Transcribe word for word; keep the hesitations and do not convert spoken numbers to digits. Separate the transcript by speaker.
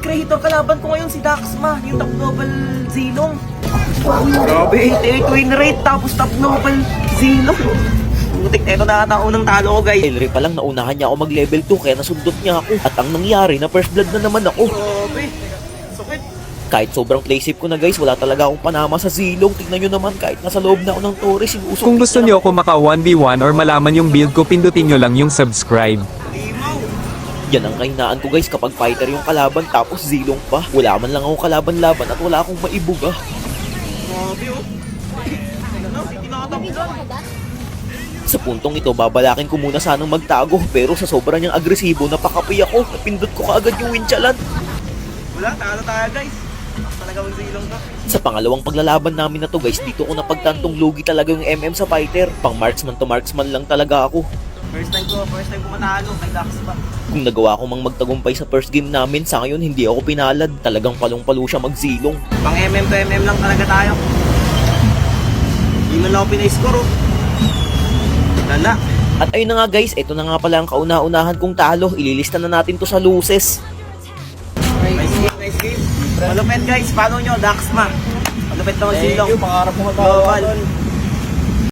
Speaker 1: creator, kalaban ko ngayon si Daxma, yung top global Zilong. Grabe, eighty-eight win rate, tapos top global Zilong. Butik, eto na ata unang talo ko, guys.
Speaker 2: Elry pa lang, naunahan niya ako mag level two kaya nasundot niya ako. At ang nangyari, na first blood na naman ako.
Speaker 1: Grabe, sakit.
Speaker 2: Kahit sobrang play safe ko na guys, wala talaga akong panama sa Zilong. Tignan nyo naman, kahit nasa loob na ako ng Torres, sinusok.
Speaker 3: Kung gusto nyo ako maka one v one or malaman yung build ko, pindutin nyo lang yung subscribe.
Speaker 1: Limaw.
Speaker 2: Yan ang kahinaan ko guys, kapag fighter yung kalaban tapos Zilong pa. Wala man lang ako kalaban-laban at wala akong maibuga.
Speaker 1: Grabe, oh. Ano, tinakatablan.
Speaker 2: Sa puntong ito, babalakin ko muna sanang magtago. Pero sa sobra niyang agresibo, napakapi ako. Napindot ko kaagad yung winchalan.
Speaker 1: Wala, talo tayo, guys. Talaga ang Zilong ka.
Speaker 2: Sa pangalawang paglalaban namin na to guys, dito ko napagtantong lugi talaga yung M M sa fighter. Pang marksman to marksman lang talaga ako.
Speaker 1: First time ko, first time ko matalo kay Daxma.
Speaker 2: Kung nagawa ko mang magtagumpay sa first game namin, sa ngayon hindi ako pinalad. Talagang palong-palo siya mag-Zilong.
Speaker 1: Pang M M to M M lang talaga tayo. Hindi man lang ako pinay-score, oh. Lala.
Speaker 2: At ayun na nga guys, ito na nga pala ang kauna-unahan kong talo. Ililista na natin to sa loses.
Speaker 1: Nice game, nice game. Malupit, guys. Follow nyo, Daxma. Malupit na mag-Zilong.
Speaker 4: Thank you, pangarap mo
Speaker 1: Global.